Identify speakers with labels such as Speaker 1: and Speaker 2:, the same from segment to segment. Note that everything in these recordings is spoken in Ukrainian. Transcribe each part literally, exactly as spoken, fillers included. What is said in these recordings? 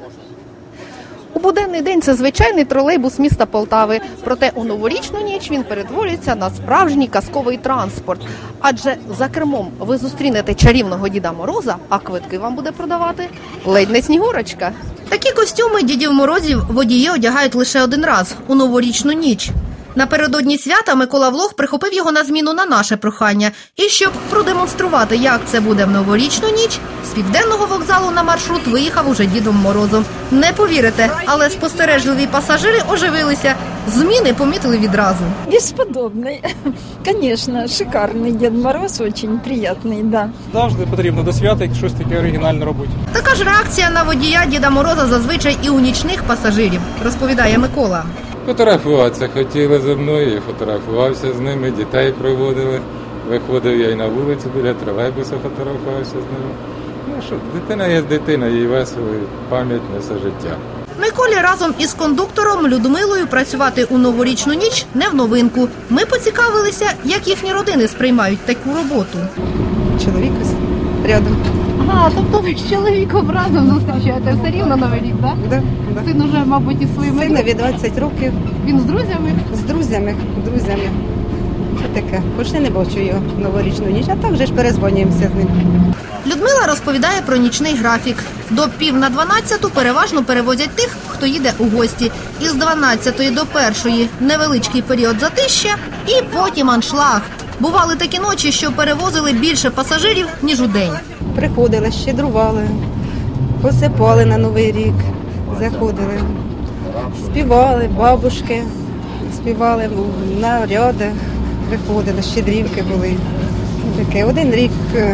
Speaker 1: У буденний день це звичайний тролейбус міста Полтави. Проте у новорічну ніч він перетворюється на справжній казковий транспорт. Адже за кермом ви зустрінете чарівного Діда Мороза, а квитки вам буде продавати ледь не Снігурочка. Такі костюми Дідів Морозів водії одягають лише один раз – у новорічну ніч. Напередодні свята Микола Влох прихопив його на зміну на наше прохання. І щоб продемонструвати, як це буде в новорічну ніч, з Південного вокзалу на маршрут виїхав уже Дідом Морозом. Не повірите, але спостережливі пасажири оживилися. Зміни помітили відразу.
Speaker 2: Бесподобный. Конечно, шикарний Дід Мороз, очень приятный, да.
Speaker 3: Завжди потрібно до свята щось таке оригінальне робити.
Speaker 1: Така ж реакція на водія Діда Мороза зазвичай і у нічних пасажирів, розповідає Микола.
Speaker 4: Фотографуватися хотіли зі мною, я фотографувався з ними, дітей проводили. Виходив я і на вулицю біля тролейбуса, фотографувався з ними. Ну що, дитина є дитина, їй весело, і пам'ять несе життя.
Speaker 1: Миколі разом із кондуктором Людмилою працювати у новорічну ніч не в новинку. Ми поцікавилися, як їхні родини сприймають таку роботу.
Speaker 5: Чоловік рядом.
Speaker 1: Ага, тобто ви з чоловіком разом зустрічаєте все рівно Новий рік, так?
Speaker 5: Да, да.
Speaker 1: Син уже, мабуть, із своїми...
Speaker 5: Синові двадцять років.
Speaker 1: Він з друзями?
Speaker 5: З друзями, друзями. Це таке. Почти не бачу його в новорічну ніч, а так вже ж перезвонюємося з ним.
Speaker 1: Людмила розповідає про нічний графік. До пів на дванадцяту переважно перевозять тих, хто їде у гості. Із дванадцятої до першої невеличкий період затища і потім аншлаг. Бували такі ночі, що перевозили більше пасажирів, ніж у день.
Speaker 5: Приходили, щедрували, посипали на Новий рік, заходили, співали, бабушки, співали наряди, приходили, щедрівки були. Таке. Один рік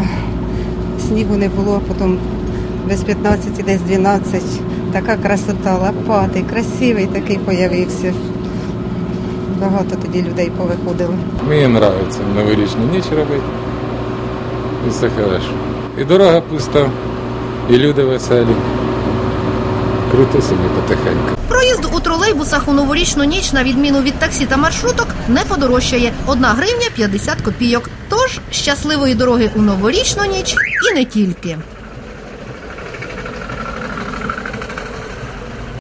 Speaker 5: снігу не було, потім без п'ятнадцяти, десь дванадцять. Така красота, лопатий, красивий такий появився. Багато тоді людей повиходило.
Speaker 4: Мені подобається новорічну ніч робити. І все хорошо. І дорога пуста, і люди веселі. Круто собі потихеньку.
Speaker 1: Проїзд у тролейбусах у новорічну ніч, на відміну від таксі та маршруток, не подорожчає. Одна гривня п'ятдесят копійок. Тож щасливої дороги у новорічну ніч і не тільки.